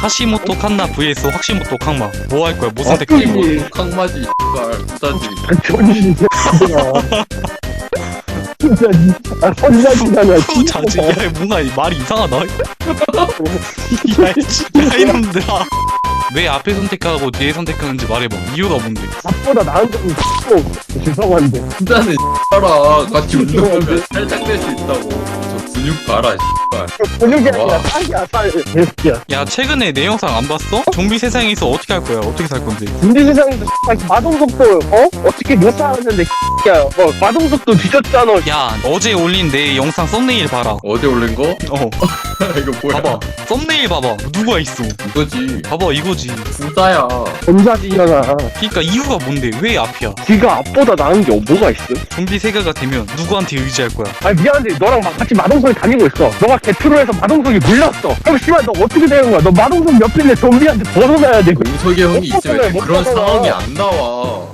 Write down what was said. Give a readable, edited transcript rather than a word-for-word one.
하시모토 칸나 vs 확시모토 캉마 뭐 할 거야? 뭐 선택해? 이거 캉마지 X발 부자지. 전이 진짜 선자지잖아. 자지 야 뭔가 말이 이상하다. 야 이놈들아 왜 앞에 선택하고 뒤에 선택하는지 말해봐. 이유가 뭔데? 앞보다 나은 점이 있고 죄송한데. 부자는 X발아. 같이 운동하면 살짝 될 수 있다고. 저 근육 봐라 X발. 근육이 아니라 와. 살이야 살. 개새끼야. 야 최근에 내 영상 안 봤어? 좀비 세상에서 어떻게 할 거야? 어떻게 살 건데? 군대 세상에서 마동석도 어떻게 못 살았는데 야 마동석도 뒤졌잖아. 야 어제 올린 내 영상 썸네일 봐라. 어제 올린 거? 어 이거 뭐야? 봐봐 썸네일 봐봐 누가 있어. 이거지. 봐봐 이거지. 부자야. 전자지잖아. 그니까 이유가 뭔데? 왜 앞이야? 지가 앞보다 나은 게 뭐가 있어? 좀비 세가가 되면 누구한테 의지할 거야? 아니 미안한데 너랑 막 같이 마동석이 다니고 있어. 너가 개트로해서 마동석이 물렸어. 그럼 씨발 너 어떻게 되는 거야? 너 마동석 옆에 있는 좀비한테 벗어나야 돼. 용석이 형이 있으면 못 그런 가잖아. 상황이 안 나와.